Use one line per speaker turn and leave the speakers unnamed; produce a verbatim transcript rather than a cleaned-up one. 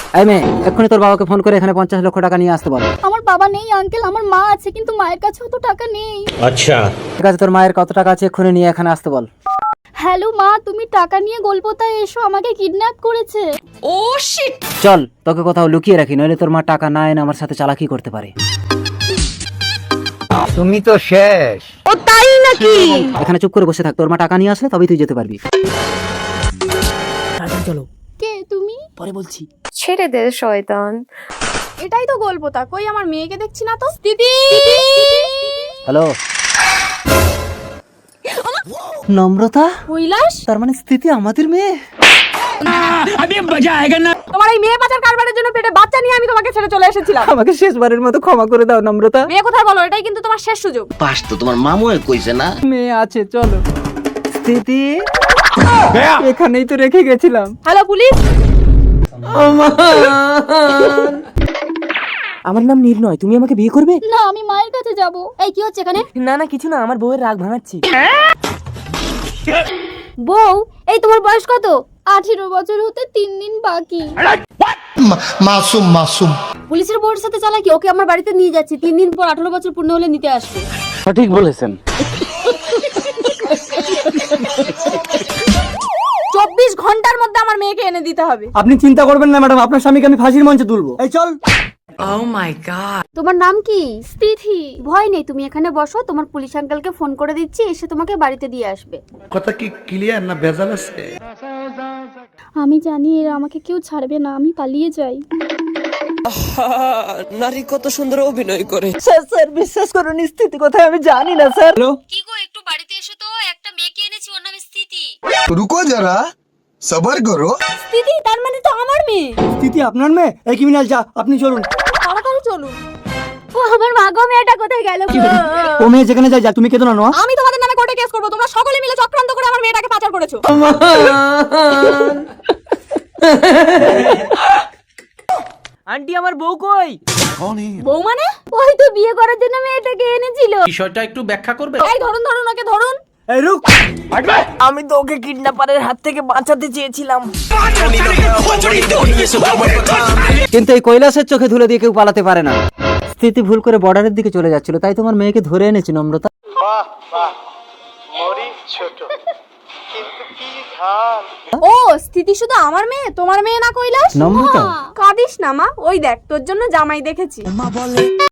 এই মেয়ে, এক্ষুনি তোর বাবাকে ফোন করে এখানে পঞ্চাশ লক্ষ টাকা নিয়ে আসতে বল।
আমার বাবা নেই আঙ্কেল, আমার মা আছে, কিন্তু মায়ের কাছে অত টাকা নেই।
আচ্ছা
ঠিক আছে, তোর মায়ের কত টাকা আছে এক্ষুনি নিয়ে এখানে আসতে বল।
হ্যালো মা, তুমি টাকা নিয়ে গোলপোতায় এসো, আমাকে কিডন্যাপ করেছে।
Oh shit.
চল, তোকে কোথাও লুকিয়ে রাখি, নইলে তোর মা টাকা না এনে আমার সাথে চালাকি করতে পারে।
তুমি তো শেষ।
ও তাই নাকি?
এখানে চুপ করে বসে থাক, তোর মা টাকা নিয়ে আসলে তবেই তুই যেতে পারবি। চলো,
কে তুমি?
পরে বলছি।
ছেড়ে দে শয়তান।
এটাই তো গোলপোতা, কই আমার মেয়েকে দেখছি না তো। দিদি,
হ্যালো নম্রতা,
কৈলাস,
তার মানে স্থিতি আমাদের মেয়ে।
তোমার এই মেয়ে পাচার কারবারের জন্য পেটে বাচ্চা নিয়ে আমি তোমাকে ছেড়ে চলে এসেছিলাম।
আমাকে শেষবারের মতো ক্ষমা করে দাও নম্রতা।
মেয়ে কোথায় বলো, এটাই কিন্তু তোমার শেষ সুযোগ।
পাস তো তোমার মামু কইছে না।
মেয়ে আছে, চলো। স্থিতি এখানেই তো রেখে গেছিলাম।
Hello police.
আমার নাম নির্ণয়, তুমি আমাকে বিয়ে করবে?
না, আমি মায়ের কাছে যাব। এই কি হচ্ছে এখানে?
না না কিছু না, আমার বউয়ের রাগ ভাঙাচ্ছি।
বউ, এই তোমার বয়স কত? আঠেরো বছর হতে তিন দিন বাকি।
মাসুম মাসুম
পুলিশের বউয়ের সাথে চালাকি। ওকে আমার বাড়িতে নিয়ে যাচ্ছি, তিন দিন পর আঠারো বছর পূর্ণ হলে নিতে আসবে।
সঠিক বলেছেন।
চব্বিশ ঘন্টার মধ্যে আমার মেয়েকে এনে দিতে হবে।
আপনি চিন্তা করবেন না ম্যাডাম, আপনার স্বামীকে আমি ফাঁসির মঞ্চে তুলবো। এই চল।
তোমার নাম কি? স্থিতি। ভয় নেই, তুমি এখানে বসো, তোমার পুলিশ আঙ্কেলকে ফোন করে দিচ্ছি, এসে তোমাকে বাড়িতে দিয়ে আসবে।
কথা কি ক্লিয়ার না ভেজাল আছে?
আমি জানি এরা আমাকে কেউ ছাড়বে না, আমি পালিয়ে যাই।
নারী কত সুন্দর অভিনয় করে।
স্যার স্যার বিশ্বাস করুন, স্থিতি কোথায় আমি জানি না স্যার।
কি গো, একটু বাড়িতে এসো তো, একটা মেয়েকে এনেছি, ওর নাম স্থিতি।
রুকো যারা, সবার করো।
স্থিতি তার মানে তো আমার মেয়ে।
স্থিতি আপনার মেয়ে? এই ক্রিমিনাল, যা আপনি চলুন।
তাড়াতাড়ি চলুন। ও আমার মা গো, মেয়েটা কোথায় গেল গো?
ও মেয়ে যেখানে যায় যা, তুমি কেঁদো না নোয়া।
আমি তোমাদের নামে কোর্টে কেস করব, তোমরা সকলে মিলে চক্রান্ত করে আমার মেয়েটাকে পাচার করেছো।
আন্টি আমার বউ কই?
বউ মানে? ওই তো বিয়ে করার জন্য মেয়েটাকে এনেছিল।
বিষয়টা একটু ব্যাখ্যা করবে?
এই ধরুন ধরুন, ওকে ধরুন।
এই রুক।
আমি তো ওকে কিডন্যাপারের হাত থেকে বাঁচাতে চেয়েছিলাম।
কিন্তু এই কৈলাসের চোখে ধুলে দিয়ে কেউ পালাতে পারে না। স্থিতি ভুল করে বর্ডারের দিকে চলে যাচ্ছিল, তাই তোমার মেয়েকে ধরে এনেছি নম্রতা।
ও স্থিতি শুধু আমার মেয়ে, তোমার মেয়ে না কৈলাস?
নম্রতা
কাঁদিস না মা, ওই দেখ তোর জন্য জামাই দেখেছি।